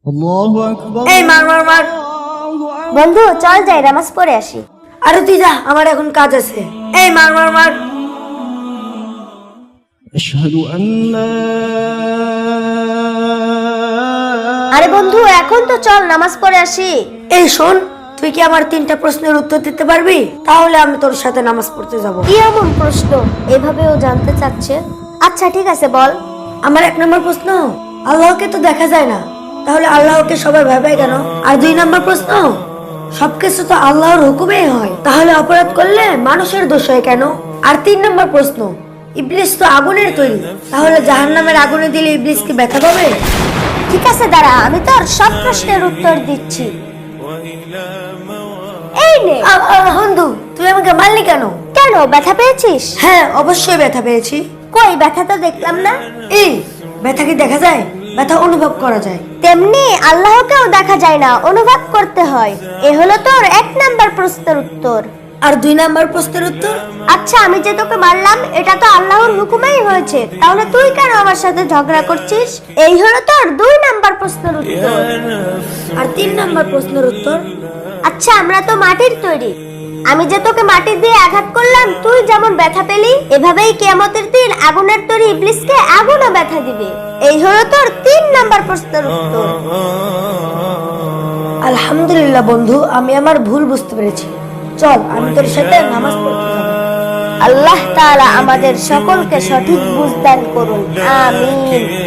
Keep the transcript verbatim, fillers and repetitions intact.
আল্লাহু আকবার। এই মার মার মার। বন্ধু চল যাই নামাজ পড়ে আসি। আরে তুই যা, আমার এখন কাজ আছে। এই মার মার মার। আশহাদু আল্লা। আরে বন্ধু এখন তো চল নামাজ পড়ে আসি। এই শোন, তুই কি আমার তিনটা প্রশ্নের উত্তর দিতে পারবি? তাহলে আমি তোর সাথে নামাজ পড়তে যাব। কি এমন প্রশ্ন এভাবেও জানতে চাচ্ছে? আচ্ছা ঠিক আছে বল। আমার এক নম্বর প্রশ্ন, আল্লাহকে তো দেখা যায় না, তাহলে আল্লাহকে সবাই ভাবে কেন? আর দুই নম্বর প্রশ্ন, সবকিছু তো আল্লাহর হুকুমেই হয়, তাহলে অপরাধ করলে মানুষের দোষ হয় কেন? আর তিন নম্বর প্রশ্ন, ইবলিস তো আগুনের তৈরি, তাহলে জাহান্নামের আগুনে দিলে ইবলিস কি ব্যথা পাবে? ঠিক আছে দাঁড়া, আমি তোর সব প্রশ্নের উত্তর দিচ্ছি। এই নে। আ, আ, বন্ধু তুই আমাকে মারলি কেন? কেন, ব্যথা পেয়েছিস? হ্যাঁ অবশ্যই ব্যথা পেয়েছি। কই ব্যথা তো দেখলাম না। এই ব্যথা কি দেখা যায়? ব্যথা অনুভব করা যায়। তেমনি আল্লাহকেও দেখা যায় না, অনুভব করতে হয়। এ হলো তোর এক নাম্বার প্রশ্নের উত্তর। আর দুই নাম্বার প্রশ্নের উত্তর? আচ্ছা আমি যে তোকে মারলাম এটা তো আল্লাহর হুকুমেই হয়েছে, তাহলে তুই কেন আমার সাথে ঝগড়া করছিস? এই হলো তোর দুই নাম্বার প্রশ্নের উত্তর। আর তিন নাম্বার প্রশ্নের উত্তর? আচ্ছা আমরা তো মাটির তৈরি, আমি যে তোকে মাটি দিয়ে আঘাত করলাম তুই যেমন ব্যথা পেলি, এভাবেই কিয়ামতের দিন আগুনের তৈরি ইবলিসকে আগুনও ব্যথা দিবে। এই হলো তোর তিন নাম্বার প্রশ্নের উত্তর। আলহামদুলিল্লাহ বন্ধু, আমি আমার ভুল বুঝতে পেরেছি। চল আমি তোর সাথে নামাজ পড়তে যাব। আল্লাহ তাআলা আমাদের সকলকে সঠিক বুঝ দান করুন, আমিন।